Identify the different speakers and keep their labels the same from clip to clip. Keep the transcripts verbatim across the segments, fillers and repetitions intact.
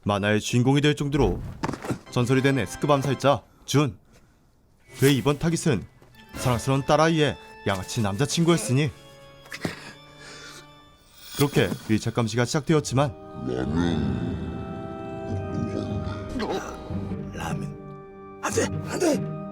Speaker 1: 만화의 주인공이 될 정도로 전설이 된 S급 암살자 준. 그의 이번 타깃은 사랑스러운 딸아이의 양아치 남자친구였으니 그렇게 밀착 감시가 시작되었지만
Speaker 2: 라면 안돼 안돼.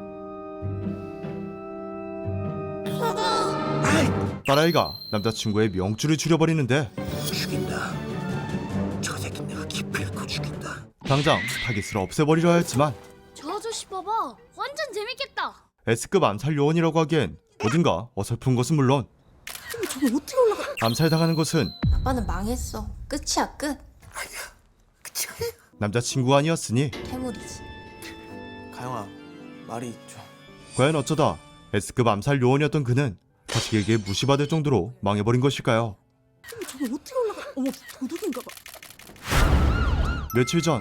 Speaker 1: 딸아이가 남자친구의 명줄을 줄여버리는데
Speaker 2: 죽인다. 저 새끼 내가 기필코 죽인다.
Speaker 1: 당장 타깃을 없애버리려 했지만
Speaker 3: 저 아저씨 봐봐. 완전 재밌겠다.
Speaker 1: S급 암살 요원이라고 하기엔 어딘가 어설픈 것은 물론
Speaker 4: 저거 어떻게 올라가?
Speaker 1: 암살당하는 것은
Speaker 5: 아빠는 망했어. 끝이야, 끝.
Speaker 2: 아니야. 그치 아니야.
Speaker 1: 남자친구가 아니었으니
Speaker 5: 퇴물이지.
Speaker 6: 가영아, 말이 좀...
Speaker 1: 과연 어쩌다 S급 암살 요원이었던 그는 자식에게 무시받을 정도로 망해버린 것일까요?
Speaker 4: 저거 어떻게 올라가? 어머, 도둑인가 봐.
Speaker 1: 며칠 전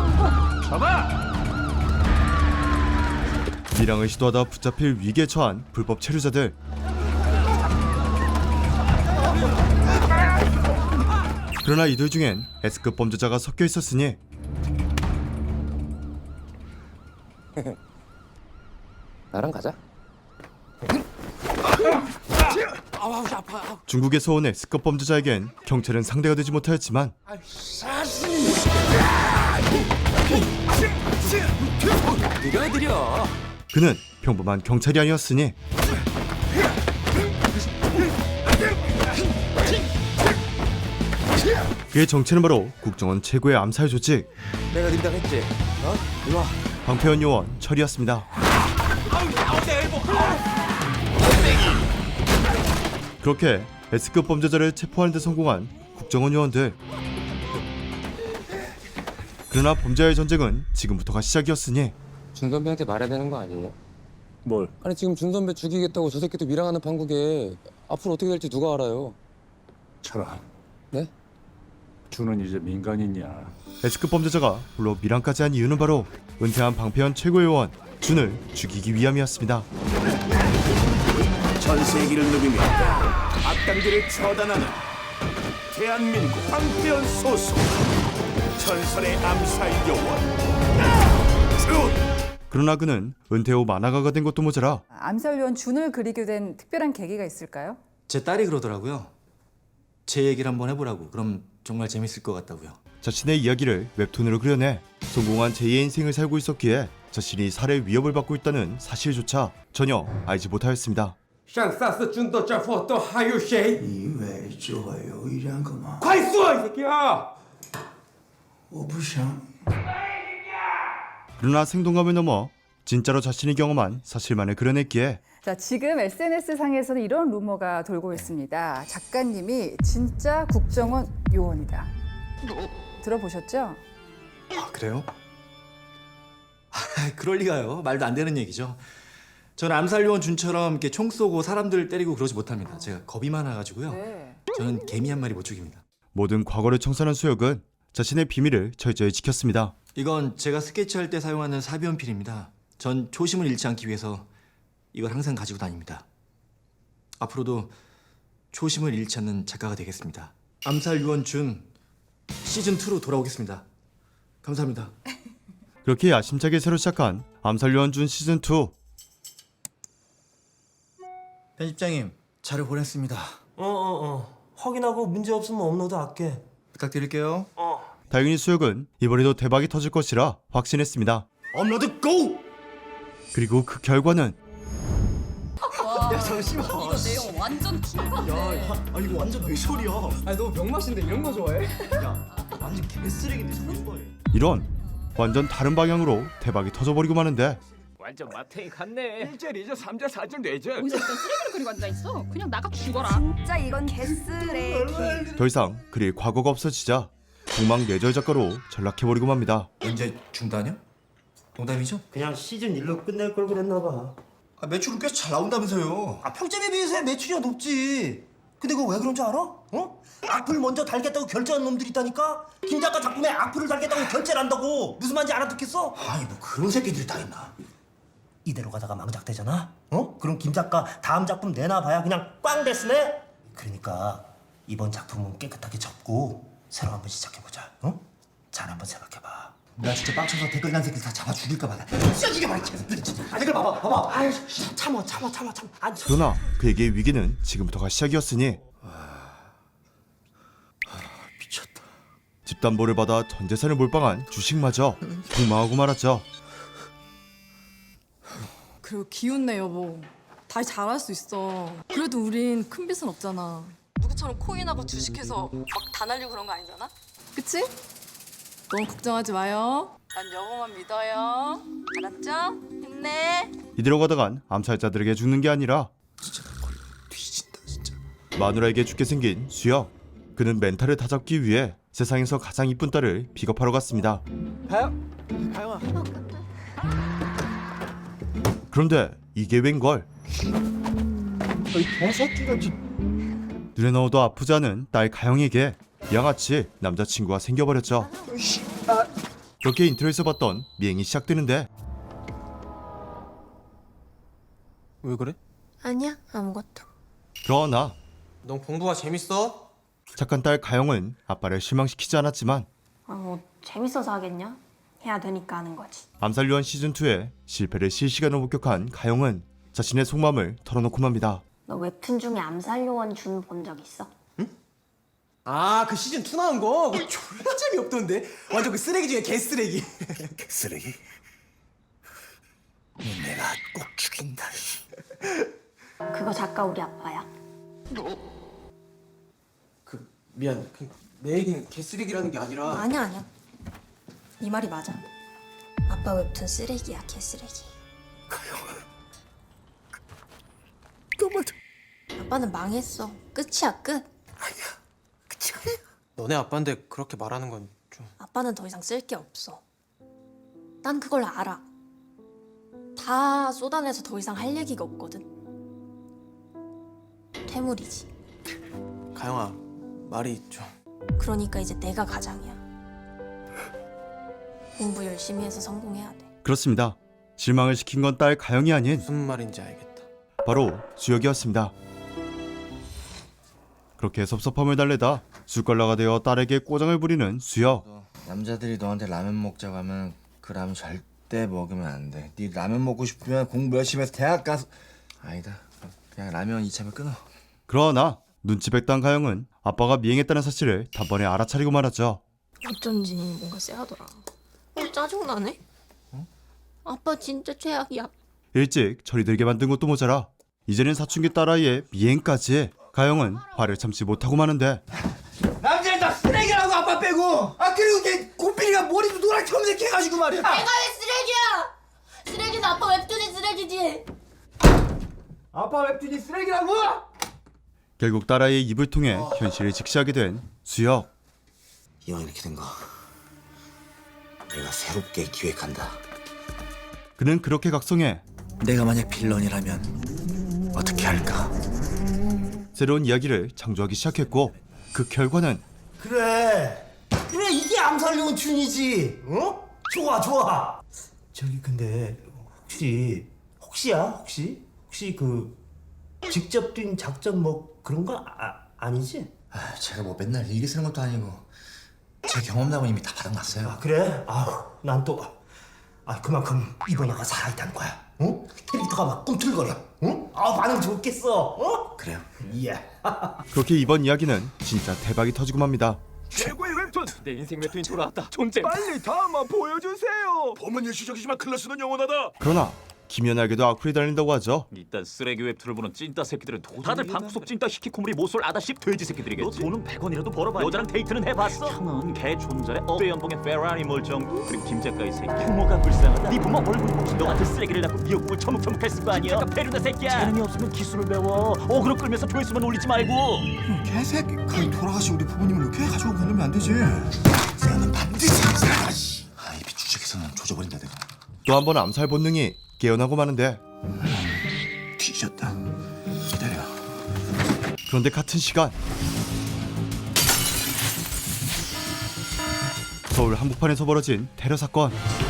Speaker 1: 밀항을 시도하다 붙잡힐 위기에 처한 불법 체류자들. 그러나 이들 중엔 S급 범죄자가 섞여 있었으니
Speaker 6: 나랑 가자.
Speaker 1: 중국에서 온 S급 범죄자에겐 경찰은 상대가 되지 못하였지만
Speaker 6: 느려 느려.
Speaker 1: 그는 평범한 경찰이 아니었으니 그의 정체는 바로 국정원 최고의 암살 조직
Speaker 6: 내가 닌다고 했지? 어? 이리 와.
Speaker 1: 방패원 요원 철이었습니다. 그렇게 S급 범죄자를 체포하는 데 성공한 국정원 요원들. 그러나 범죄와의 전쟁은 지금부터가 시작이었으니
Speaker 7: 준 선배한테 말해야 되는 거 아니에요?
Speaker 2: 뭘?
Speaker 7: 아니 지금 준 선배 죽이겠다고 저 새끼도 밀항하는 판국에 앞으로 어떻게 될지 누가 알아요?
Speaker 8: 철아,
Speaker 7: 네?
Speaker 8: 준은 이제 민간인이야.
Speaker 1: S급 범죄자가 물론 밀항까지 한 이유는 바로 은퇴한 방패원 최고의 요원 준을 죽이기 위함이었습니다.
Speaker 2: 전 세기를 누비며 악당들을 처단하는 대한민국 방패원 소속 전설의 암살 요원 준.
Speaker 1: 그러나 그는 은퇴 후 만화가가 된 것도 모자라
Speaker 9: 암살요원 준을 그리게 된 특별한 계기가 있을까요?
Speaker 6: 제 딸이 그러더라고요. 제 얘기를 한번 해보라고. 그럼 정말 재밌을 것 같다고요.
Speaker 1: 자신의 이야기를 웹툰으로 그려내 성공한 제이의 인생을 살고 있었기에 자신이 살해 위협을 받고 있다는 사실조차 전혀 알지 못하였습니다.
Speaker 7: 上萨斯军的战俘都还有谁？
Speaker 2: 你以为只会有一两个吗？
Speaker 7: 快说，이 새끼야！
Speaker 2: 我不想。
Speaker 1: 그러나 생동감을 넘어 진짜로 자신이 경험한 사실만을 그려냈기에
Speaker 9: 자, 지금 에스엔에스 상에서는 이런 루머가 돌고 있습니다. 작가님이 진짜 국정원 요원이다. 들어보셨죠?
Speaker 6: 아 그래요? 아, 그럴 리가요. 말도 안 되는 얘기죠. 저는 암살 요원 준처럼 이렇게 총 쏘고 사람들 때리고 그러지 못합니다. 제가 겁이 많아가지고요.
Speaker 9: 네.
Speaker 6: 저는 개미 한 마리 못 죽입니다.
Speaker 1: 모든 과거를 청산한 수혁은 자신의 비밀을 철저히 지켰습니다.
Speaker 6: 이건 제가 스케치할 때 사용하는 사비연필입니다. 전 초심을 잃지 않기 위해서 이걸 항상 가지고 다닙니다. 앞으로도 초심을 잃지 않는 작가가 되겠습니다. 암살 요원 준 시즌이로 돌아오겠습니다. 감사합니다.
Speaker 1: 그렇게 야심차게 새로 시작한 암살 요원 준 시즌이.
Speaker 6: 편집장님, 자료 보냈습니다.
Speaker 10: 어어어 확인하고 문제 없으면 업로드 할게.
Speaker 6: 부탁드릴게요.
Speaker 1: 다행히 수혁은 이번에도 대박이 터질 것이라 확신했습니다.
Speaker 6: 업로드 고!
Speaker 1: 그리고 그 결과는
Speaker 6: 야 잠시만.
Speaker 3: 이거 내용 완전 킹받네.
Speaker 6: 야, 아 이거 완전 외솔이야.
Speaker 7: 아니 너 병맛인데 이런 거 좋아해?
Speaker 6: 야, 완전 개쓰레기인데 저런 걸.
Speaker 1: 이런 완전 다른 방향으로 대박이 터져버리고 마는데
Speaker 10: 완전 마탱이 같네.
Speaker 7: 일 절, 이 절, 삼 절, 사 절, 네 절.
Speaker 3: 어디서 일단 쓰레기를 그리고 앉아있어. 그냥 나가 죽어라.
Speaker 4: 진짜 이건 개쓰레기.
Speaker 1: 더 이상 그릴 과거가 없어지자 공망내절 작가로 전락해버리고 맙니다.
Speaker 6: 언제 중단이요? 농담이죠?
Speaker 10: 그냥 시즌 일로 끝낼 걸 그랬나 봐.
Speaker 6: 아, 매출은 꽤 잘 나온다면서요.
Speaker 10: 아 평점에 비해서 매출이 높지. 근데 그거 왜 그런 줄 알아? 어? 악플 먼저 달겠다고 결제한 놈들이 있다니까? 김 작가 작품에 악플을 달겠다고 결제를 한다고. 무슨 말인지 알아듣겠어? 아니 뭐 그런 새끼들이 다 있나. 이대로 가다가 망작되잖아? 어? 그럼 김 작가 다음 작품 내놔봐야 그냥 꽝 됐으네? 그러니까 이번 작품은 깨끗하게 접고 새로 한번 시작해보자. 어? 잘 한번 생각해봐. 나 진짜 빡쳐서 댓글 난 새끼 다 잡아 죽일까 봐. 찢어지게 말이 개새끼들 진짜. 아 댓글 봐봐 봐봐. 아유 참아 참아 참아 참아. 안 참.
Speaker 1: 그러나 그에게의 위기는 지금부터가 시작이었으니
Speaker 10: 미쳤다.
Speaker 1: 집담보를 받아 전 재산을 몰빵한 주식마저 폭망하고 말았죠.
Speaker 4: 그리고 기운내 여보. 다시 잘할 수 있어. 그래도 우린 큰 빚은 없잖아. 누구처럼 코인하고 주식해서 막 다 날리고 그런 거 아니잖아? 그치? 너무 걱정하지 마요. 난 여보만 믿어요. 알았죠? 힘내.
Speaker 1: 이대로 가다간 암살자들에게 죽는 게 아니라
Speaker 10: 뒤진다 진짜.
Speaker 1: 마누라에게 죽게 생긴 수혁. 그는 멘탈을 다잡기 위해 세상에서 가장 이쁜 딸을 픽업하러 갔습니다.
Speaker 10: 가영 가영아.
Speaker 1: 그런데 이게 웬걸?
Speaker 10: 너이 개새끼가 지.
Speaker 1: 눈에 넣어도 아프지 않은 딸 가영에게 양아치 남자친구가 생겨버렸죠. 그렇게 인트로에서 봤던 미행이 시작되는데
Speaker 6: 왜 그래?
Speaker 5: 아니야, 아무것도.
Speaker 1: 그러나
Speaker 6: 넌 공부가 재밌어?
Speaker 1: 착한 딸 가영은 아빠를 실망시키지 않았지만
Speaker 5: 아, 뭐 재밌어서 하겠냐? 해야 되니까 하는 거지.
Speaker 1: 암살요원 시즌이의 실패를 실시간으로 목격한 가영은 자신의 속마음을 털어놓고 맙니다.
Speaker 5: 너 웹툰 중에 암살요원 준 본 적 있어?
Speaker 10: 아 그 시즌 투 나온 거 그거 졸라 재미없던데. 완전 그 쓰레기 중에 개쓰레기. 쓰레기? 내가 꼭 죽인다.
Speaker 5: 그거 작가 우리 아빠야.
Speaker 6: 그 미안. 그, 내 얘기는 개쓰레기라는 게 아니라.
Speaker 5: 아니야, 아니야. 네 말이 맞아. 아빠 웹툰 쓰레기야, 개쓰레기.
Speaker 10: 그만.
Speaker 5: 아빠는 망했어. 끝이야, 끝.
Speaker 10: 그치 아니야.
Speaker 6: 너네 아빠인데 그렇게 말하는 건 좀.
Speaker 5: 아빠는 더 이상 쓸 게 없어. 난 그걸 알아. 다 쏟아내서 더 이상 할 얘기가 없거든. 퇴물이지.
Speaker 6: 가영아, 말이 좀.
Speaker 5: 그러니까 이제 내가 가장이야. 공부 열심히 해서 성공해야 돼.
Speaker 1: 그렇습니다. 실망을 시킨 건 딸 가영이 아닌
Speaker 6: 무슨 말인지 알겠다.
Speaker 1: 바로 수혁이었습니다. 그렇게 섭섭함을 달래다 술걸러가 되어 딸에게 꼬장을 부리는 수혁.
Speaker 2: 남자들이 너한테 라면 먹자고 하면 그 라면 절대 먹으면 안 돼. 네 라면 먹고 싶으면 공부 열심히 해서 대학 가서. 아니다. 그냥 라면 이참에 끊어.
Speaker 1: 그러나 눈치 백단 가영은 아빠가 미행했다는 사실을 단번에 알아차리고 말았죠.
Speaker 5: 어쩐지 뭔가 쎄하더라. 어, 짜증나네? 아빠 진짜 최악이야.
Speaker 1: 일찍 철이 들게 만든 것도 모자라 이제는 사춘기 딸아이의 미행까지. 가영은 화를 참지 못하고 마는데
Speaker 10: 남자는 다 쓰레기라고 아빠 빼고. 아 그리고 걔 고삐리가 머리도 노랗게 염색해가지고 말이야.
Speaker 5: 내가 왜 쓰레기야? 쓰레기는 아빠 웹툰이 쓰레기지.
Speaker 10: 아빠 웹툰이 쓰레기라고?
Speaker 1: 결국 딸아이의 입을 통해 현실을 직시하게 된 수혁.
Speaker 2: 이왕 이렇게 된 거 내가 새롭게 기획한다.
Speaker 1: 그는 그렇게 각성해
Speaker 2: 내가 만약 빌런이라면 어떻게 할까?
Speaker 1: 새로운 이야기를 창조하기 시작했고 그 결과는
Speaker 10: 그래 그래 이게 암살용 춘이지. 어? 좋아 좋아. 저기 근데 혹시 혹시야 혹시 혹시 그 직접 뛴 작전 뭐 그런 거 아, 아니지?
Speaker 2: 아, 제가 뭐 맨날 일기 쓰는 것도 아니고 제 경험담은 이미 다 바닥났어요.
Speaker 10: 아 그래? 아우 난 또 아 그만큼 이번화가 살아있다는 거야. 어? 캐릭터가 막 꿈틀거려. 응? 아 반응 좋겠어. 어?
Speaker 2: 그래요?
Speaker 10: 예.
Speaker 1: 그렇게 이번 이야기는 진짜 대박이 터지고 맙니다.
Speaker 11: 최고의 웹툰! 내 인생 웹툰이 돌아왔다. 존재! 빨리 다음만 보여주세요! 보면 일시적이지만 클래스는 영원하다!
Speaker 1: 그러나 기면하게도 악플이 달린다고 하죠.
Speaker 11: 이딴 쓰레기 웹툰을 보는 찐따 새끼들은 도 다들 방구석 찐따 히키코모리 모쏠 아다씹 돼지 새끼들이겠지. 너 돈은 백 원이라도 벌어봐. 여자랑 데이트는 해봤어? 형은 개 존잘해. 억대 연봉에 페라리 멀쩡. 그리고 김 작가 이 새끼 규모가 불쌍하다. 네 부모 얼굴 혹시 너 같은 쓰레기를 낳고 미역국을 처묵처묵 했을 거 아니야. 작가 페루다 새끼야. 재능이 없으면 기술을 배워. 어그로 끌면서 조회수만 올리지 말고.
Speaker 2: 개새끼 거의 돌아가신 우리 부모님을 이렇게 가져오고 그러면 안 되지. 나는 반드시 살아가시. 아 입이 주책해서는 조져버린다 내가.
Speaker 1: 또 한 번 암살 본능이 깨어나고 마는데
Speaker 2: 뒤졌다. 기다려.
Speaker 1: 그런데 같은 시간 서울 한복판에서 벌어진 테러 사건.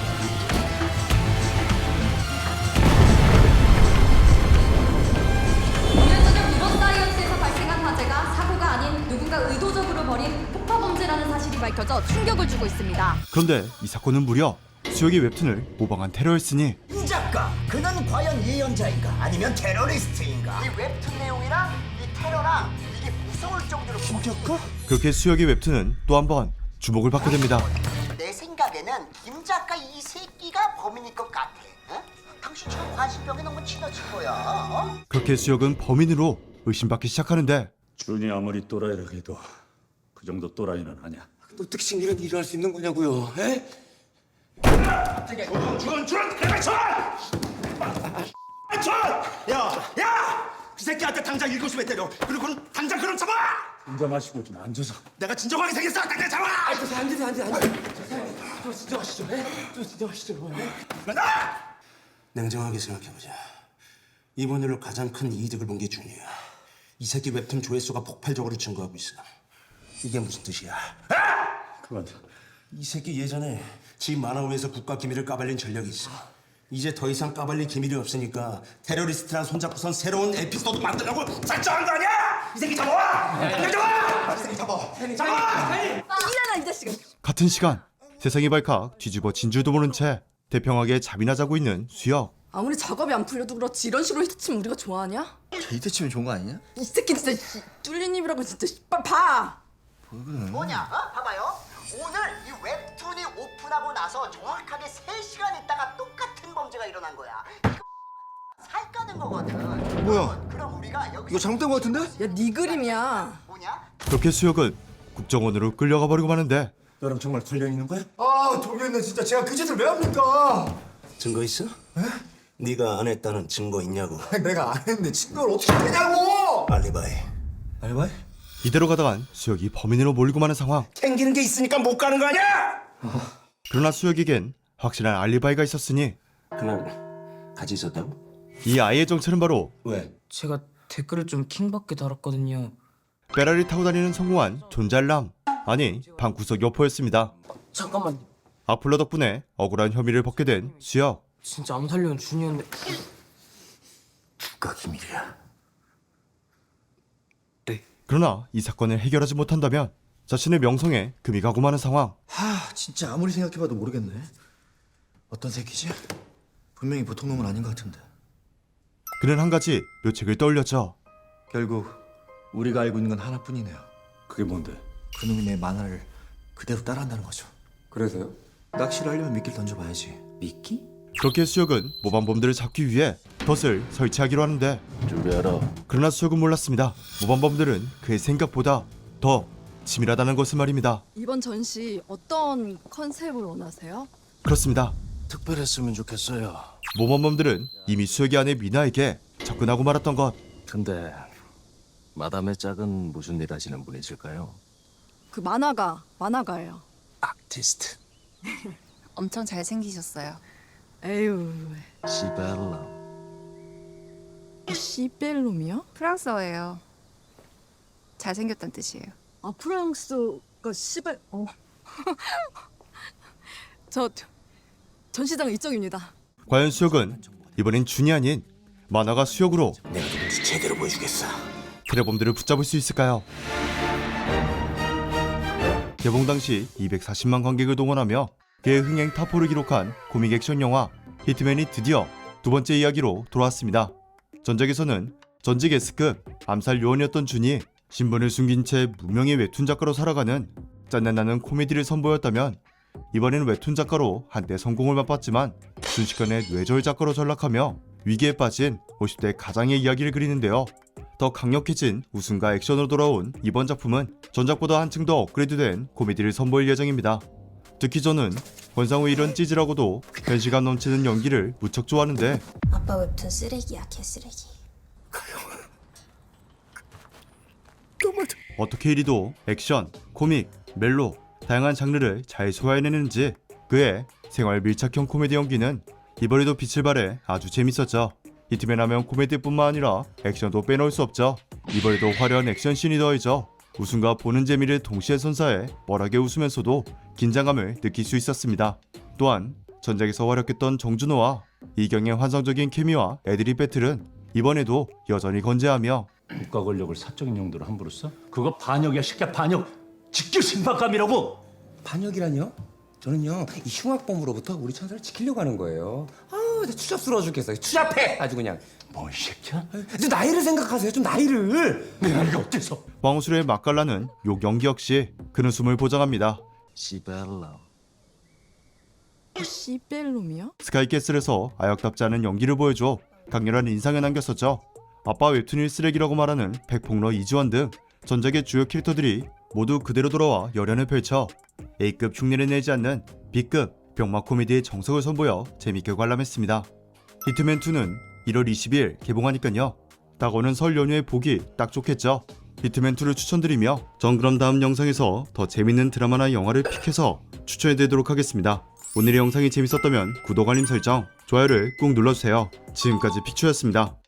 Speaker 4: 오늘 저녁 이번 다이어트에서 발생한 화재가 사고가 아닌 누군가 의도적으로 벌인 폭파 범죄라는 사실이 밝혀졌습니다. 밝혀져 충격을 주고 있습니다.
Speaker 1: 그런데 이 사건은 무려 수혁이 웹툰을 모방한 테러였으니
Speaker 10: 이 작가, 그는 과연 예언자인가 아니면 테러리스트인가? 이 웹툰 내용이랑 이 테러랑 이게 무서울 정도로 김 작가?
Speaker 1: 그렇게 수혁의 웹툰은 또 한 번 주목을 받게 됩니다.
Speaker 10: 내 생각에는 김 작가 이 새끼가 범인일 것 같아. 어? 당신처럼 관심병에 너무 지나친 거야. 어?
Speaker 1: 그렇게 수혁은 범인으로 의심받기 시작하는데
Speaker 8: 준이 아무리 또라이라 해도 그 정도 또라이는 아니야.
Speaker 7: 어떻게 이런 일을 할 수 있는 거냐고요? 에?
Speaker 10: 준, 준, 내가 준! 준! 야, 야! 그 새끼한테 당장 일곱 시에 때려. 그리고는 당장 그럼 잡아!
Speaker 8: 인정하시고 좀 앉아서.
Speaker 10: 내가 진정하게 생겼어. 당장 잡아!
Speaker 7: 안 되세요, 안 되세요, 안 되세요. 좀 진정하시죠, 에? 좀 진정하시죠.
Speaker 10: 나가!
Speaker 12: 냉정하게 생각해보자. 이번 일로 가장 큰 이득을 본 게 준이야. 이 새끼 웹툰 조회수가 폭발적으로 증가하고 있어. 이게 무슨 뜻이야?
Speaker 8: 그만.
Speaker 12: 이 새끼 예전에 지 만화위에서 국가 기밀을 까발린 전력이 있어. 이제 더 이상 까발릴 기밀이 없으니까 테러리스트랑 손잡고선 새로운 에피소드 만들려고 작정한 거 아니야? 이 새끼 잡아와! 당장 잡아! 이 새끼 잡아! 잡아!
Speaker 4: 일어나 이 자식아.
Speaker 1: 같은 시간 세상이 발칵 뒤집어 진줄도 모른 채 대평하게 잠이나 자고 있는 수혁.
Speaker 4: 아무리 작업이 안 풀려도 그렇지 이런 식으로 히트치면 우리가 좋아하냐?
Speaker 2: 이때 치면 좋은 거 아니냐?
Speaker 4: 이 새끼 진짜 씨, 뚫린 입이라고 진짜 씨, 빨리 봐.
Speaker 10: 뭐냐? 어? 봐봐요. 오늘 이 웹툰이 오픈하고 나서 정확하게 세 시간 있다가 똑같은 범죄가 일어난 거야. 이거 살 까는 거거든.
Speaker 2: 뭐야?
Speaker 10: 그럼 우리가 여기서
Speaker 2: 이거 잘못된 거 같은데?
Speaker 4: 야 네 그림이야.
Speaker 10: 뭐냐?
Speaker 1: 그렇게 수혁은 국정원으로 끌려가 버리고 마는데
Speaker 12: 너랑 정말 관련 있는 거야?
Speaker 10: 아, 동현네 진짜 제가 그 짓을 왜 합니까?
Speaker 12: 증거 있어? 네가 안 했다는 증거 있냐고.
Speaker 10: 내가 안 했는데 증거를 어떻게 되냐고!
Speaker 12: 알리바이.
Speaker 2: 알바이?
Speaker 1: 이대로 가다간 수혁이 범인으로 몰리고 마는 상황.
Speaker 12: 캥기는 게 있으니까 못 가는 거 아니야?
Speaker 1: 그러나 수혁에겐 확실한 알리바이가 있었으니
Speaker 12: 그날 같이 있었다고?
Speaker 1: 이 아이의 정체는 바로
Speaker 12: 왜?
Speaker 13: 제가 댓글을 좀 킹받게 달았거든요.
Speaker 1: 페라리 타고 다니는 성공한 존잘남, 아니 방구석 여포였습니다.
Speaker 13: 잠깐만,
Speaker 1: 악플러 덕분에 억울한 혐의를 벗게 된 수혁.
Speaker 13: 진짜 암살료는 준이었는데.
Speaker 12: 국가 기밀이야.
Speaker 1: 그러나 이 사건을 해결하지 못한다면 자신의 명성에 금이 가고 마는 상황.
Speaker 2: 하, 진짜 아무리 생각해봐도 모르겠네. 어떤 새끼지? 분명히 보통 놈은 아닌 것 같은데.
Speaker 1: 그는 한 가지 묘책을 떠올렸죠.
Speaker 2: 결국 우리가 알고 있는 건 하나뿐이네요.
Speaker 8: 그게 뭔데?
Speaker 2: 그놈이 내 만화를 그대로 따라한다는 거죠.
Speaker 7: 그래서요?
Speaker 2: 낚시를 하려면 미끼를 던져봐야지.
Speaker 7: 미끼?
Speaker 1: 그렇게 수혁은 모범범들을 잡기 위해 덫을 설치하기로 하는데
Speaker 8: 준비하라.
Speaker 1: 그러나 수혁은 몰랐습니다. 모범범들은 그의 생각보다 더 치밀하다는 것을 말입니다.
Speaker 4: 이번 전시 어떤 컨셉을 원하세요?
Speaker 1: 그렇습니다.
Speaker 12: 특별했으면 좋겠어요.
Speaker 1: 모범범들은 이미 수혁의 아내 미나에게 접근하고 말았던 것.
Speaker 12: 근데 마담의 짝은 무슨 일 하시는 분이실까요?
Speaker 4: 그 만화가 만화가예요.
Speaker 12: 아티스트.
Speaker 5: 엄청 잘생기셨어요.
Speaker 4: 에휴.
Speaker 12: 시벨라.
Speaker 4: 시벨롬이요?
Speaker 5: 프랑스어예요. 잘생겼다는 뜻이에요.
Speaker 4: 아 프랑스가 시벨. 어. 저 전시장 이쪽입니다.
Speaker 1: 과연 수혁은 이번엔 준이 아닌 만화가 수혁으로
Speaker 12: 내가 누군지 제대로 보여주겠어.
Speaker 1: 테러범들을 붙잡을 수 있을까요? 개봉 당시 이백사십만 관객을 동원하며 그의 흥행 타포를 기록한 코믹 액션 영화 히트맨이 드디어 두 번째 이야기로 돌아왔습니다. 전작에서는 전직 S급 암살 요원이었던 준이 신분을 숨긴 채 무명의 웹툰 작가로 살아가는 짠내나는 코미디를 선보였다면 이번에는 웹툰 작가로 한때 성공을 맛봤지만 순식간에 뇌절 작가로 전락하며 위기에 빠진 오십 대 가장의 이야기를 그리는데요. 더 강력해진 웃음과 액션으로 돌아온 이번 작품은 전작보다 한층 더 업그레이드된 코미디를 선보일 예정입니다. 특히 저는 권상우의 이런 찌질하고도 현실감 넘치는 연기를 무척 좋아하는데
Speaker 5: 아빠 웹툰 쓰레기야, 개쓰레기.
Speaker 1: 어떻게 이리도 액션, 코믹, 멜로 다양한 장르를 잘 소화해내는지 그의 생활 밀착형 코미디 연기는 이번에도 빛을 발해 아주 재밌었죠. 히트맨 하면 코미디뿐만 아니라 액션도 빼놓을 수 없죠. 이번에도 화려한 액션씬이 더해져 웃음과 보는 재미를 동시에 선사해 뻘하게 웃으면서도 긴장감을 느낄 수 있었습니다. 또한 전작에서 활약했던 정준호와 이경의 환상적인 케미와 애드립 배틀은 이번에도 여전히 건재하며
Speaker 8: 국가 권력을 사적인 용도로 함부로 써? 그거 반역이야, 새끼야, 반역. 직교 신박감이라고.
Speaker 7: 반역이란요? 저는요 이 흉악범으로부터 우리 천사를 지키려고 하는 거예요. 아우 추잡스러워 죽겠어요. 추잡해 아주 그냥.
Speaker 8: 뭐 이 새끼야?
Speaker 7: 좀 나이를 생각하세요. 좀 나이를.
Speaker 8: 내 나이가 어때서?
Speaker 1: 왕수의 맛깔나는 욕 연기 역시 그는 숨을 보장합니다.
Speaker 2: 시벨럼.
Speaker 4: 시벨롬이요?
Speaker 1: 스카이캐슬에서 아역답지 않은 연기를 보여줘 강렬한 인상을 남겼었죠. 아빠 웹툰일 쓰레기라고 말하는 백폭러 이지원 등 전작의 주요 캐릭터들이 모두 그대로 돌아와 열연을 펼쳐 A급 흉내를 내지 않는 B급 병마 코미디의 정석을 선보여 재밌게 관람했습니다. 히트맨이는 일월 이십일 개봉하니깐요. 다가오는 설 연휴에 보기 딱 좋겠죠. 히트맨이를 추천드리며 전 그럼 다음 영상에서 더 재밌는 드라마나 영화를 픽해서 추천해드리도록 하겠습니다. 오늘의 영상이 재밌었다면 구독, 알림 설정, 좋아요를 꾹 눌러주세요. 지금까지 픽추였습니다.